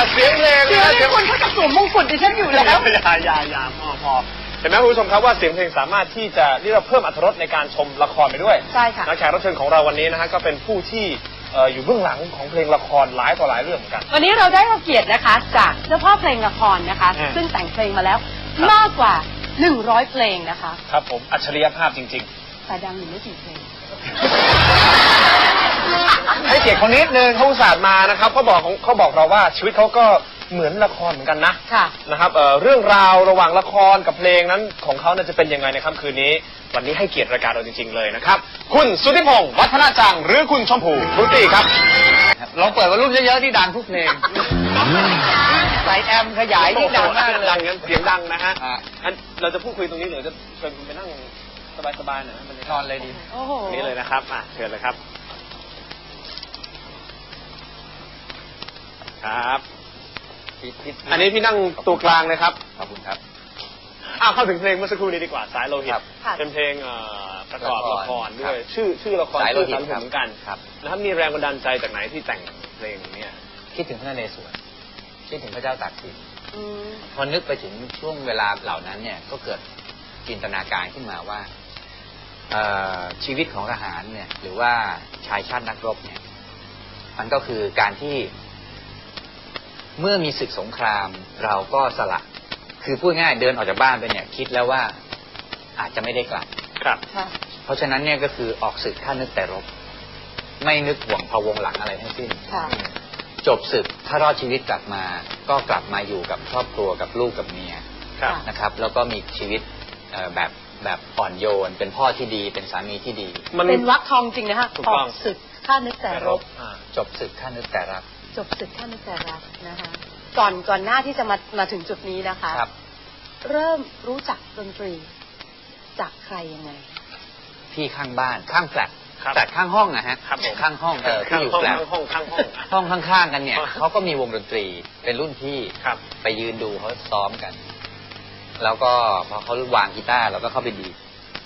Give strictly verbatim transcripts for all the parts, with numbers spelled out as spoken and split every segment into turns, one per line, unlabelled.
เสียงเพลง
เสียงเพลงคุณเขาจะสวมมงกุฎดิฉันอยู่แล้ว
อย่าอย่าอย่าพอพอเห็นไหมคุณผู้ชมครับว่าเสียงเพลงสามารถที่จะเรียกว่าเพิ่มอรรถรสในการชมละครไปด้วย
ใช่ค่ะ
และแขกรับเชิญของเราวันนี้นะฮะก็เป็นผู้ที่อยู่เบื้องหลังของเพลงละครหลายต่อหลายเรื่องเหมือนกัน
วันนี้เราได้รับเกียรตินะคะจากเจ้าพ่อเพลงละครนะคะซึ่งแต่งเพลงมาแล้วมากกว่าหนึ่งร้อยเพลงนะคะ
ครับผมอัจฉริยภาพจริง
ๆแต่ดังอยู่ไม่กี่เพลง
ให้เกียรติคนนิดนึงเขาอุตส่าห์มานะครับเขาบอกเขาบอกเราว่าชีวิตเขาก็เหมือนละครเหมือนกันนะ
ค่ะ
นะครับเอ่อเรื่องราวระหว่างละครกับเพลงนั้นของเขาจะเป็นยังไงในค่ำคืนนี้วันนี้ให้เกียรติรายการเราจริงๆเลยนะครับคุณสุทธิพงศ์วัฒนาจังหรือคุณชมพูฟรุตตี้ครับ
ลองเปิดวอลลุ่มเยอะๆที่ดังทุกเพลงใส่แอมขยายที่ดังมากเลย
ดังงั้นเสียงดังนะฮะงั้นเราจะพูดคุยตรงนี้หรือจะเชิญคุณไปนั่งสบายๆหน่อยมัน
นอนเลยดี
นี่เลยนะครับอ่ะเชิญเลยครับครับอันนี้พี่นั่งตัวกลางเลยครับ
ขอบคุณครับ
อ้าวเข้าถึงเพลงเมื่อสักครู่นี้ดีกว่าสายโลหิตเป็นเพลงประกอบละครด้วยชื่อชื่อละครชื่อสายโลหิตเหมือนกันนะครับมีแรงบันดาลใจจากไหนที่แต่งเพลงนี้
คิดถึงพระนเรศวรคิดถึงพระเจ้าตากสินพอนึกไปถึงช่วงเวลาเหล่านั้นเนี่ยก็เกิดจินตนาการขึ้นมาว่าชีวิตของทหารเนี่ยหรือว่าชายชาตินักรบเนี่ยมันก็คือการที่เมื่อมีศึกสงครามเราก็สละคือพูดง่ายเดินออกจากบ้านไปเนี่ยคิดแล้วว่าอาจจะไม่ได้กลับ
ครับ
เพราะฉะนั้นเนี่ยก็คือออกศึกถ้านึกแต่รบไม่นึกห่วงพะวงหลังอะไรทั้งสิ้นจบศึกถ้ารอดชีวิตกลับมาก็กลับมาอยู่กับครอบครัวกับลูกกับเมียนะครับแล้วก็มีชีวิตแบบแบบอ่อนโยนเป็นพ่อที่ดีเป็นสามีที่ดี
เป็นวรรคทองจริงนะฮะออกศึกถ้านึกแต่รบ
จบศึกถ้านึกแต่รัก
จบศึกถ้านึกแต่รักนะคะก่อนก่อนหน้าที่จะมามาถึงจุดนี้นะคะเริ่มรู้จักดนตรีจากใครยังไง
พี่ข้างบ้านข้างแฟลตแฟลตข้างห้องนะฮะข้างห้องเออที่อยู่แฟลต
ห้องข้างห้อง
ห้องข้างๆกันเนี่ยเขาก็มีวงดนตรีเป็นรุ่นพี่ไปยืนดูเขาซ้อมกันแล้วก็พอเขาวางกีตาร์เราก็เข้าไปดีด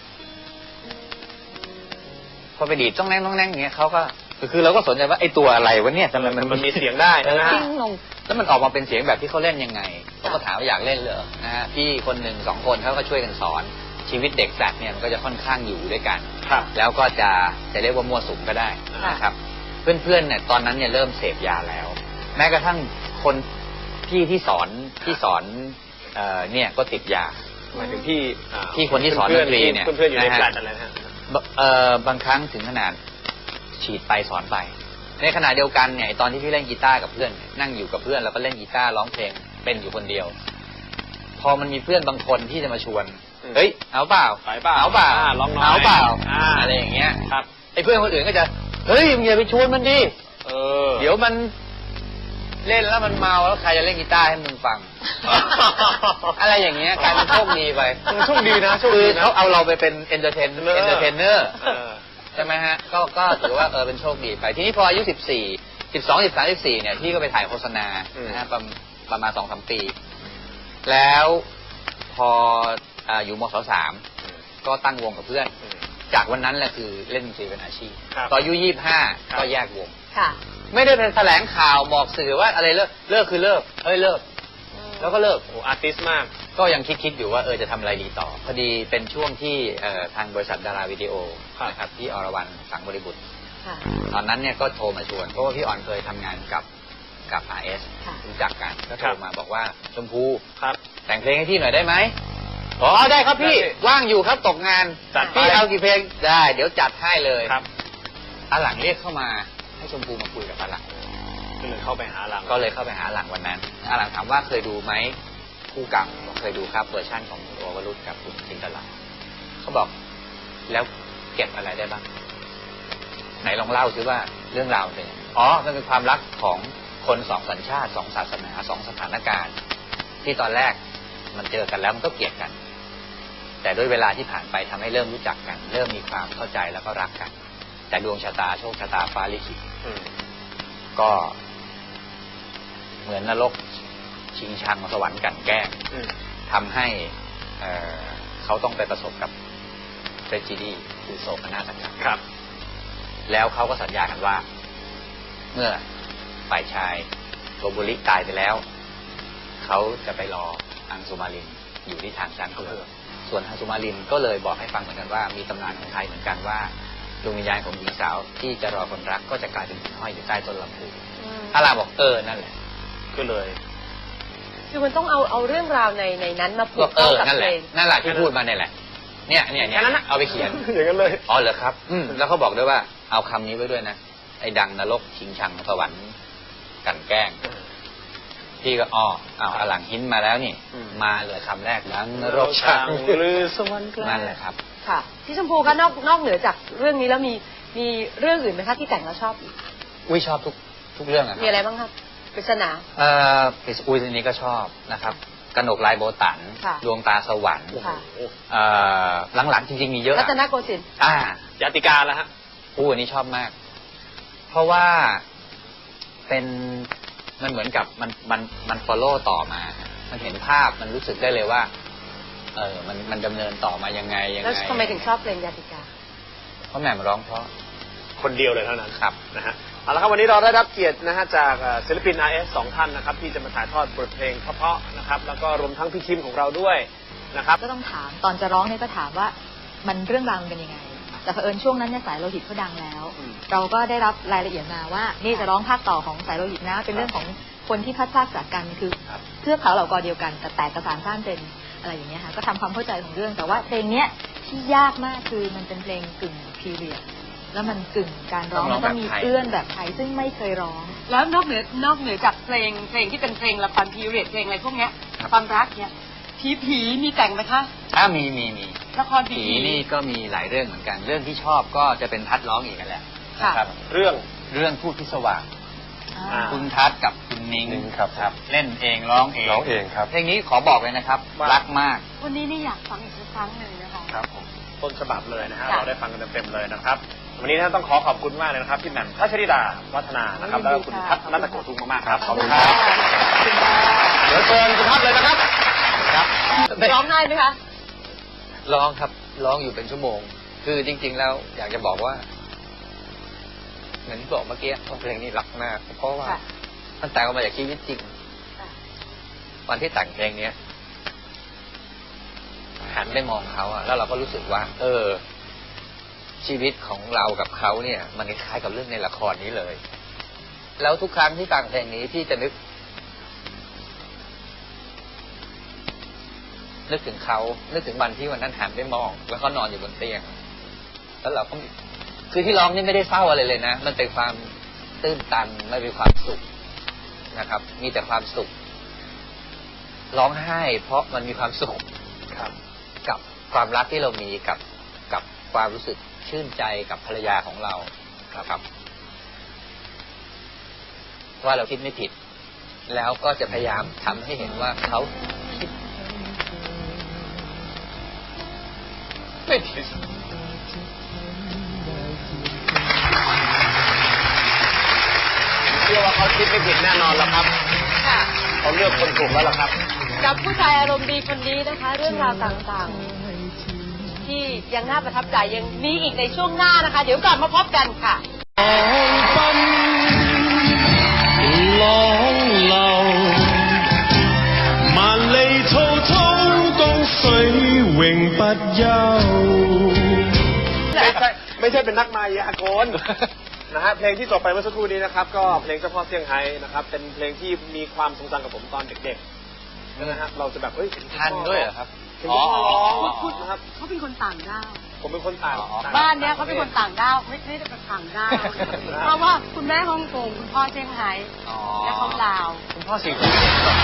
พอไปดีดต้องแน่งต้องแน่งอย่างเงี้ยเขาก็คือเราก็สนใจว่าไอ้ตัวอะไรวะเนี่ยทำไม
มันมีเสียงได้นะ
ทิ้งลง
แล้วมันออกมาเป็นเสียงแบบที่เขาเล่นยังไงเขาก็ถามว่าอยากเล่นเหรอนะฮะพี่คนหนึ่งสองคนเขาก็ช่วยกันสอนชีวิตเด็กแฟลตเนี่ยมันก็จะค่อนข้างอยู่ด้วยกันแล้วก็จะจะเรียกว่ามั่วสุมก็ได้นะครับเพื่อนๆเนี่ยตอนนั้นเนี่ยเริ่มเสพยาแล้วแม้กระทั่งคนพี่ที่สอนที่สอนเอ่อเนี่ยก็ติดยา
หมายถึงพี่
พี่คนที่สอนดนตรีเนี่ย
เพื่อนๆอยู่ในแฟลตอะไรนะฮะ
เอ่อบางครั้งถึงขนาดฉีดไปสอนไปในขณะเดียวกันเนี่ยตอนที่พี่เล่นกีตาร์กับเพื่อนนั่งอยู่กับเพื่อนแล้วก็เล่นกีตาร์ร้องเพลงเป็นอยู่คนเดียวพอมันมีเพื่อนบางคนที่จะมาชวนเฮ้ยเอาเปล่าเอาเปล่า
ร้องน้อย
เอาเปล่าอะไรอย่างเงี้ย
ครับ
ไอ้เพื่อนคนอื่นก็จะเฮ้ยมึงอย่าไปชวนมันดิ
เออ
เดี๋ยวมันเล่นแล้วมันเมาแล้วใครจะเล่นกีตาร์ให้มึงฟังอะไรอย่างเงี้ยกลายเป็นโชคดีไป
โชคดีนะ
คือเขาเอาเราไปเป็นเอนเตอร์เทนเอนเตอร์เทนเนอร์ใช่ไหมฮะก็ก็ถือว่าเออเป็นโชคดีไปทีนี้พออายุสิบสี่สิบสองสิบสามสิบสี่เนี่ยพี่ก็ไปถ่ายโฆษณานะฮะประประมาณสองสามปีแล้วพออยู่ม.สามก็ตั้งวงกับเพื่อนจากวันนั้นแหละคือเล่นดนตรีเป็นอาชีพตอนอายุยี่สิบห้าก็แยกวงไม่ได้เป็นแถลงข่าวบอกสื่อว่าอะไรเลิกเลิกคือเลิกเฮ้ยเลิกแล้วก็เลิก
โอ้อาร์ติสต์มาก
ก็ยังคิดคิดอยู่ว่าเออจะทำอะไรดีต่อพอดีเป็นช่วงที่ทางบริษัทดาราวิดีโอนะครับที่อรวรรณสังบริบุตรตอนนั้นเนี่ยก็โทรมาชวนเพราะว่าพี่อ่อนเคยทำงานกับกับ อาร์ เอส รู้จักกันก็โทรมาบอกว่าชมพูแต่งเพลงให้พี่หน่อยได้ไหมอ๋อได้ครับพี่ว่างอยู่ครับตกงานพี่เอากี่เพลงได้เดี๋ยวจัดให้เลย
ครับ
อาหลังเรียกเข้ามาให้ชมพูมาคุยกับอาหลัง
ก็เลยเข้าไปหาหลัง
ก็เลยเข้าไปหาหลังวันนั้นอาหลังถามว่าเคยดูไหมคู่กรรมเคยดูครับเวอร์ชั่นของโอวรุษกับคุณจินตลาเขาบอกแล้วเก็บอะไรได้บ้างไหนลองเล่าซิว่าเรื่องราวเป็นอ๋อมันเป็นความรักของคนสองสัญชาติสองศาสนาสองสถานการณ์ที่ตอนแรกมันเจอกันแล้วมันก็เกลียดกันแต่ด้วยเวลาที่ผ่านไปทำให้เริ่มรู้จักกันเริ่มมีความเข้าใจแล้วก็รักกันแต่ดวงชะตาโชคชะตาฟ้าลิขิตก็เหมือนนรกชิงชังสวรรค์กันแกล้งทำให้เอ่อเขาต้องไปประสบกับเทรจิดีคือโศกนาฏกรรม
ครับ
แล้วเขาก็สัญญากันว่าเมื่อฝ่ายชายโกโบริตายไปแล้วเขาจะไปรออังสุมารินอยู่ที่ทางช้างเผือกส่วนอังสุมารินก็เลยบอกให้ฟังเหมือนกันว่ามีตำนานของไทยเหมือนกันว่าดวงวิญญาณของหญิงสาวที่จะรอคนรักก็จะกลายเป็นหิ่งห้อยอยู่ใต้ต้นลำพูพระรามบอกเออนั่นแหละก็เลย
คือมันต้องเอาเอาเรื่องราวในในนั้นมาผูก
เข้า
กับเพลง
นั่นแหละที่พูดมาเนี่ยแหละเนี่ยเนี่ยเนี่ยเอาไปเขียน
อย่างนั้นเลย
อ๋อเหรอครับอืมแล้วเขาบอกด้วยว่าเอาคำนี้ไว้ด้วยนะไอ้ดังนรกชิงชังสวรรค์กันแกล้งพี่ก็อ๋อเอาหลังหินมาแล้วนี่มาเลยคำแรกดังนรกชังหรือสวรรค์นั่นแหละครับ
ค่ะพี่ชมพูก็นอกนอกเหนือจากเรื่องนี้แล้วมีมีเรื่องอื่นไหมคะที่แต่งแล้วชอบอีก
อุ้ยชอบทุกทุกเรื่องอะ
มีอะไรบ้างครับปริศนา
เอ่อปริศอุ้ยทีนี้ก็ชอบนะครับกนกลายโบตันดวงตาสวรรค์เอ่อหลังๆจริงๆมีเยอะ
รัตนโกสินทร์
อ่า
ญาติกาแล้วฮะ
อู้อันนี้ชอบมากเพราะว่าเป็นมันเหมือนกับมันมันมันฟอลโล่ต่อมามันเห็นภาพมันรู้สึกได้เลยว่าเออมันมันดำเนินต่อมายังไงยังไง
แล้วทำไมถึงชอบเพลงญาติกา
เพราะแหม่มร้องเพราะ
คนเดียวเลยเท่านั้น
ครับ
นะฮะเอาละครับวันนี้เราได้รับเกียรตินะฮะจากศิลปิน อาร์ เอส สองท่านนะครับที่จะมาถ่ายทอดบทเพลงเพราะๆนะครับแล้วก็รวมทั้งพี่คิมของเราด้วยนะครับ
ก็ต้องถามตอนจะร้องเนี่ยก็ถามว่ามันเรื่องราวมันเป็นยังไงแต่เผอิญช่วงนั้นเนี่ยสายโลหิตเขาดังแล้วเราก็ได้รับรายละเอียดมาว่านี่จะร้องภาคต่อของสายโลหิตนะเป็นเรื่องของคนที่พัดพลาดจากกันคือเทือกเขาเหล่ากอเดียวกันแต่แตกกระสานสร้างเป็นอะไรอย่างเงี้ยค่ะก็ทำความเข้าใจของเรื่องแต่ว่าเพลงเนี้ยที่ยากมากคือมันเป็นเพลงกึ่งพีเรียดแล้วมันกึ่งการร้องมันก็มีเอื้อนแบบไทยซึ่งไม่เคยร้อง
แล้วนอกเหนือนอกเหนือจากเพลงเพลงที่เป็นเพลงละครพีเรียดเพลงอะไรพวกเนี้ยความรักเนี่ยผีผีมีแต่งไหมคะ
อ้ามีมีมี
ละครผี
นี่ก็มีหลายเรื่องเหมือนกันเรื่องที่ชอบก็จะเป็นทัดร้องอีกกันแหละนะครับ
เรื่อง
เรื่องพูดพิศวาสคุณทัดกับคุณนิ้งครับครับเล่นเองร้องเอง
ร้องเองครับ
เพลงนี้ขอบอกเลยนะครับรักมาก
วันนี้นี่อยากฟังอีกสักครั้งหนึ่งนะคะ
ครับผมต้นฉบับเลยนะฮะเราได้ฟังกันเต็มๆเลยนะครับวันนี้ท่านต้องขอขอบคุณมากเลยนะครับพี่แหม่มพัชริดาวัฒนานะครับแล้วคุณทัศนัตโกทุงมากๆครับขอบคุณครับเดี๋ยวเชิญคุณทัศเลยนะครับ
ครับร้องได้ไหมคะ
ร้องครับร้องอยู่เป็นชั่วโมงคือจริงๆแล้วอยากจะบอกว่าเหมือนที่บอกเมื่อกี้ว่าเพลงนี้รักมากเพราะว่ามันแต่งออกมาจากชีวิตจริงวันที่แต่งเพลงนี้หันไปมองเขาอะแล้วเราก็รู้สึกว่าเออชีวิตของเรากับเขาเนี่ยมันคล้ายกับเรื่องในละครนี้เลยแล้วทุกครั้งที่ฟังเพลงนี้พี่จะนึกนึกถึงเขานึกถึงวันที่วันนั้นหันไปมองแล้วเขานอนอยู่บนเตียงแล้วเราก็คือที่ร้องนี่ไม่ได้เศร้าอะไรเลยนะมันเป็นความตื้นตันไม่เป็นความสุขนะครับมีแต่ความสุขร้องไห้เพราะมันมีความสุขครับกับความรักที่เรามีกับกับความรู้สึกชื่นใจกับภรรยาของเราครับว่าเราคิดไม่ผิดแล้วก็จะพยายามทำให้เห็นว่าเขาคิดไม่ผิด
เชื่อว่าเขาคิดไม่ผิดแน่นอนแล้วครับเขาเลือกคนถูกแล้วล่ะครับ
กับผู้ชายอารมณ์ดีคนนี้นะคะเรื่องราวต่างๆที่ยังน่าประทับใจยังมีอีกในช่วงหน้านะคะเดี๋ยวกลับมาพบกันค่ะร้องเล่ามาเลยโทโทกงสวยเว่งปัดยาว
ไม่ใช่ไม่ใช่เป็นนักมายากลนะฮะเพลงที่จบไปเมื่อสักครู่นี้นะครับก็เพลงเจ้าพ่อเซี่ยงไฮ้นะครับเป็นเพลงที่มีความทรงจำกับผมตอนเด็กๆนะฮะเราจะแบบเฮ้ย
ทันด้วยเหรอครับ
อ๋อพูดนะครับ
เขาเป็นคนต่างด้าว
ผมเป็นคนต่าง
บ้านเนี้ยเขาเป็นคนต่างด้าวไม่ไม่ได้เป็นต่างด้าวเพราะว่าคุณแม่ฮ่องกงคุณพ่อเซี่ยงไฮ้และเขาลาว
คุณพ่อสิงคโปร์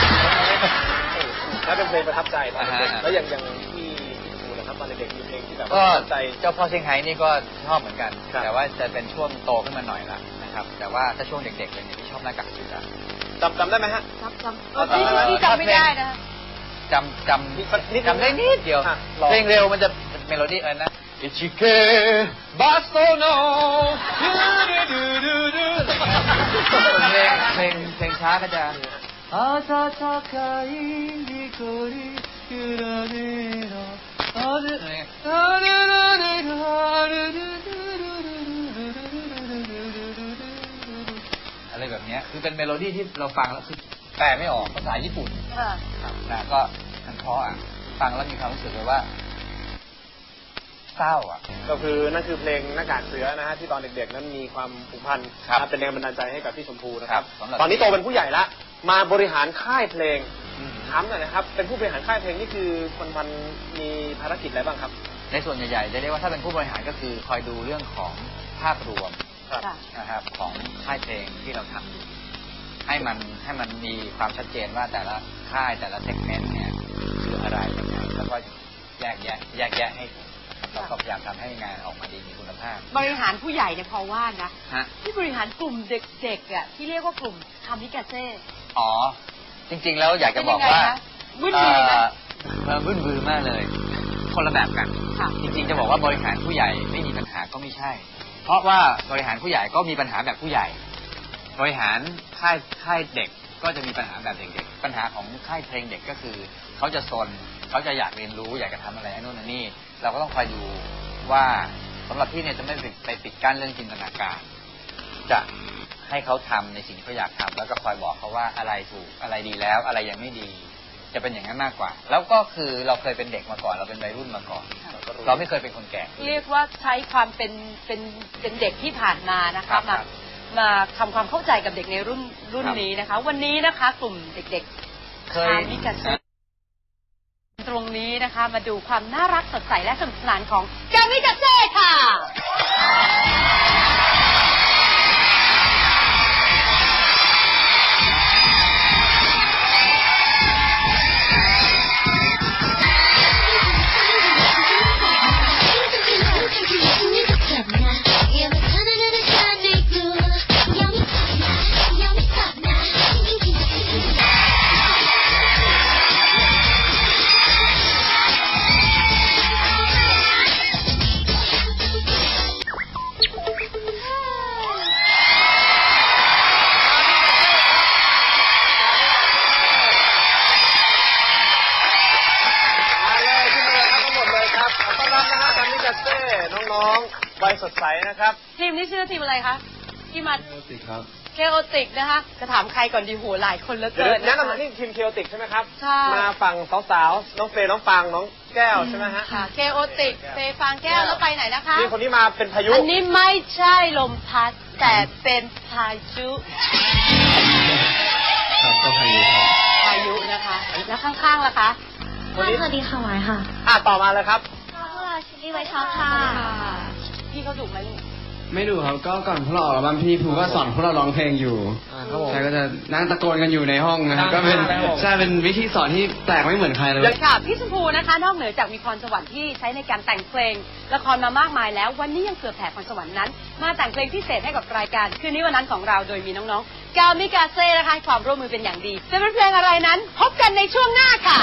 แล้วเป็นเพลงประทับใจแล้วอย่างอย่างที่นะครับตอนเด็กๆมีเพลงที่แบบ
ประทับใจเจ้าพ่อเซี่ยงไฮ้นี่ก็ชอบเหมือนกันแต่ว่าจะเป็นช่วงโตขึ้นมาหน่อยละนะครับแต่ว่าถ้าช่วงเด็กๆเลยเนี่ยที่ชอบหน้ากากเสือ
จำจำได้ไหมฮะ
จำจำที่จำไม่ได้นะ
จำจำจำได้นิดเดียวเพลงเร็วมันจะเมโลดี้อะไรนะอิชิเกะบาสโตโนเพลงเพลงเพลงช้าก็จะอาซาซาคาอินิโกริยูราเนโรอาเดอาเดอาเดอะไรแบบนี้คือเป็นเมโลดี้ที่เราฟังแล้วคือแปลไม่ออกภาษาญี่ปุ่น
ค่ะ
นะก็มันเพราะอ่ะฟังแล้วมีความรู้สึกเลยว่าเศร้าอ่ะ
ก็คือนั่นคือเพลงหน้ากากเสือนะฮะที่ตอนเด็กๆนั้นมีความผูกพัน
ครับ
นะเป็นแรงบันดาลใจให้กับพี่ชมพูนะครับ
ครับสำหรับ
ตอนนี้โตเป็นผู้ใหญ่ละมาบริหารค่ายเพลง
อืม
ถามหน่อยนะครับเป็นผู้บริหารค่ายเพลงนี่คือคนมันมีภารกิจอะไรบ้างครับ
ในส่วนใหญ่ๆจะเรียกว่าถ้าเป็นผู้บริหารก็คือคอยดูเรื่องของภาพรวม
ครับ
ค่ะ
นะครับของค่ายเพลงที่เราทำอยู่ให้มันให้มันมีความชัดเจนว่าแต่ละค่ายแต่ละเซกเมนต์เนี่ยคืออะไรยังไงแล้วก็แยกแยะแยกแยะให้ถูกนะครับเราก็พยายามทำให้งานออกมาดีมีคุณภาพ
บริหารผู้ใหญ่เนี่ยพอว่านะ
ฮะ
ที่บริหารกลุ่มเด็กๆอ่ะที่เรียกว่ากลุ่มคามิกาเซ่
อ๋อจริงๆแล้วอยากจะบอกว่า
วุ่นวายนะ
เอ่อวุ่นวือมากเลย คนละแบบกัน
ค่ะ
จริงๆจะบอกว่าบริหารผู้ใหญ่ไม่มีปัญหาก็ไม่ใช่ เพราะว่าบริหารผู้ใหญ่ก็มีปัญหาแบบผู้ใหญ่ บริหารค่ายค่ายเด็กก็จะมีปัญหาแบบเด็กๆปัญหาของค่ายเพลงเด็กก็คือเขาจะซนเขาจะอยากเรียนรู้อยากจะทำอะไรอันนู้นอันนี้เราก็ต้องคอยดูว่าสำหรับพี่เนี่ยจะไม่ไปปิดกั้นเรื่องจินตนาการ จะให้เขาทำในสิ่งที่เขาอยากทำแล้วก็คอยบอกเขาว่าอะไรถูกอะไรดีแล้วอะไรยังไม่ดี จะเป็นอย่างนั้นมากกว่า แล้วก็คือเราเคยเป็นเด็กมาก่อนเราเป็นวัยรุ่นมาก่อน เราไม่เคยเป็นคนแก่
เรียกว่าใช้ความเป็นเป็นเป็นเด็กที่ผ่านมานะ
ครั
คะ
บ
มา
ครับ
มาทำความเข้าใจกับเด็กในรุ่นรุ่น
ครับ
นี้นะคะ วันนี้นะคะ กลุ่มเด็กๆ
เค
คาย มิกาเซ่ตรงนี้นะคะ มาดูความน่ารักสดใสและสนุกสนานของกามิกาเซ่ค่ะ
มาเลยขึ้นมาเลยครับทั้งหมดเลยครับขอต้อนรับนะฮะกามิกาเซ่น้องๆวัยสดใสนะครับ
ทีมนี้ชื่อทีมอะไรคะที่มา
สิครับ
เคโอติกนะคะจะถามใครก่อนดีโหหลายคนเหลือ
เดี๋ยว
เกิน
แนะ
นะคะ
นำนี่ทีมเคโอติกใช่ไหมครับ
ใช่
มาฝั่งสาวๆน้องเฟย์น้องฟางน้องแก้วใช่ไหมฮะ
ค่ะเคโอติกเฟฟางแก้วแล้วไปไหนนะคะ
นี่คนนี้มาเป็นพายุ
อันนี้ไม่ใช่ลมพัดแต่เป็นพายุ
ครับก็พายุครับ
พายุนะคะ แล้วข้างๆล่ะคะ
วันนี้
สวัสดีค่ะไว้ค่ะ
อ่ะต่อมาเลยครับ
พวกเราชิลลี่ไวท์ช็อกค่ะ
พี่เขาดุไหมลูก
ไม่ดูครับก็ก่อนพวกเราออกอัลบั้มพี่ภูก็สอนพวกเราร้องเพลงอยู่
ครับผม
ใช่ก็จะนั่งตะโกนกันอยู่ในห้องนะครับก็เป็น
ครับผม
ใช่เป็นวิธีสอนที่แปลกไม่เหมือนใครเลย
ค่ะพี่ชมพูนะคะ นอกเหนือจากมีพรสวรรค์ที่ใช้ในการแต่งเพลงละครมามากมายแล้ว วันนี้ยังเผื่อแผ่พรสวรรค์นั้น มาแต่งเพลงพิเศษให้กับรายการคืนนี้วันนั้นของเราโดยมีน้องๆกามิกาเซ่นะคะให้ความร่วมมือเป็นอย่างดีจะเป็นเพลงอะไรนั้น พบกันในช่วงหน้าค่ะ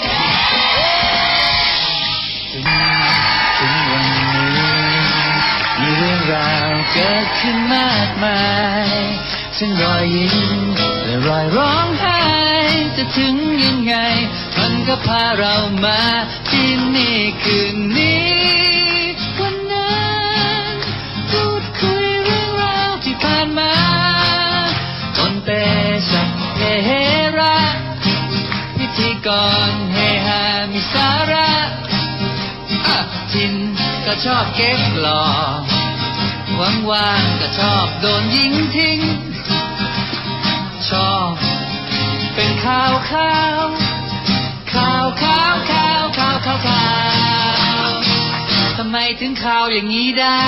ถึงวันนี้มีเรื่องราวเกิดขึ้นมากมายซึ่งรอยยิ้มและรอยร้องไห้จะถึงยังไงมันก็พาเรามาที่นี่คืนนี้วันนั้นพูดคุยเรื่องราวที่ผ่านมาต้นเตสักเฮระพิธีกรเฮฮามีสาระอ่ะทินก็ชอบเก๊กหล่อว่างๆก็ชอบโดนยิงทิ้งชอบเป็นข่าวข่าวข่าวข่าวข่าวข่าวข่าวข่าวทำไมถึงข่าวอย่างนี้ได้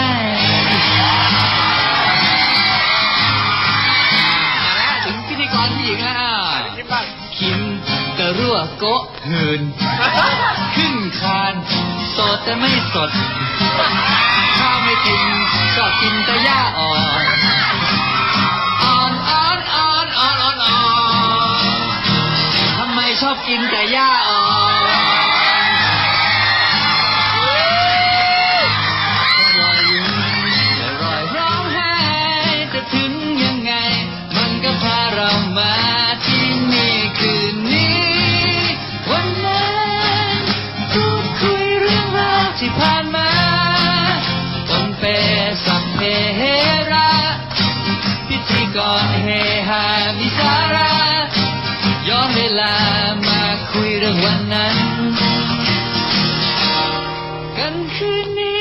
ถึงพิธีกรผู้หญิงแล้ว
คิดบ้าง
คิมกระรั่วโกะหืนขึ้นคานโสดแต่ไม่สดข้าวไม่กินชอบกินแต่หญ้าอ่อนอ่อนอ่อนอ่อนอ่อนอ่อนอ่อนทำไมชอบกินแต่หญ้าอ่อนรอยยิ้มและรอยร้องไห้จะถึงยังไงมันก็พาเรามาที่นี่คืนนี้วันนั้นพูดคุยเรื่องราวที่ผ่านมาปนเปสัพเพเหระพิธีกรเฮฮาคืนนี้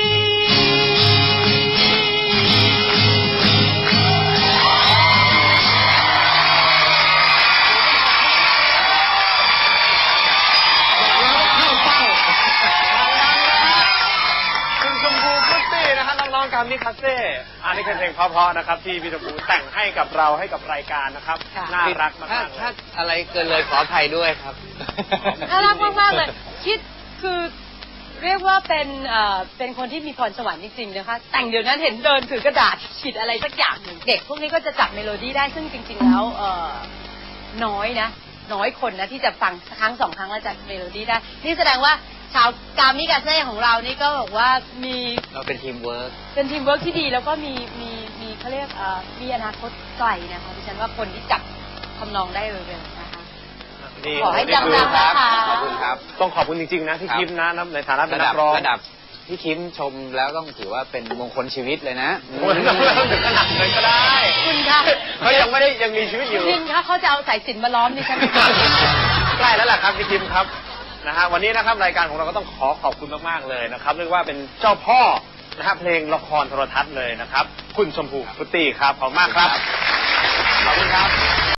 คุณชมพูฟุตตี้นะฮะน้องๆกามิคาเซ่อันนี้คือเพลงเพราะๆนะครับที่พี่ชมพูแต่งให้กับเราให้กับรายการนะครับ
ค่ะ
น่ารักมา
ถ้าก
ๆเล
ถ้าย อะไรเกินเลยขออภัยด้วยครับ
น่ารักมากๆเลย คิดคือเรียกว่าเป็นเอ่อเป็นคนที่มีพรสวรรค์จริงๆนะคะ แต่งเดี๋ยวนั้นเห็นเดินถือกระดาษขีดอะไรสักอย่างหนึ่งเด็กพวกนี้ก็จะจับเมโลดี้ได้ซึ่งจริง ๆ แล้วเอ่อน้อยนะ น้อยคนนะที่จะฟังครั้งสองครั้งแล้วจับเมโลดี้ได้ นี่แสดงว่าชาวกามิกาเซ่ของเรานี่ก็บอกว่ามี
เราเป็นทีมเวิร์ก
เป็นทีมเวิร์กที่ดีแล้วก็มีมีมีเขาเรียกเอ่อมีอนาคตไกลนะคะดิฉันว่าคนที่จับทำนองได้เร็วๆนะคะ
นี่
ขอให้
นี่คือ
ดังๆนะคะ
ขอบคุณครับ
ต้องขอบคุณจริงๆนะที่
ครับ
คิมนะในฐานะเป็น
ระ
นั
ดับ
กร้อง
ระดับพี่คิมชมแล้วต้องถือว่าเป็นมงคลชีวิตเลยนะ
โอ้ยไม่ต้องถึงขนาดนั้นก็ได้
คุณค่ะ
เขายังไม่ได้ยังมีชีวิตอยู่
คุณคะเขาจะเอาสายสิญจนมาล้อมดิฉัน
ใกล้แล้วแหละครับพี่คิมครับนะฮะวันนี้นะครับรายการของเราก็ต้องขอขอบคุณมากๆเลยนะครับเรียกว่าเป็นเจ้าพ่อนะฮะเพลงละครโทรทัศน์เลยนะครับคุณชมพูฟุตตี้ครับขอบคุณมากครับขอบคุณครับ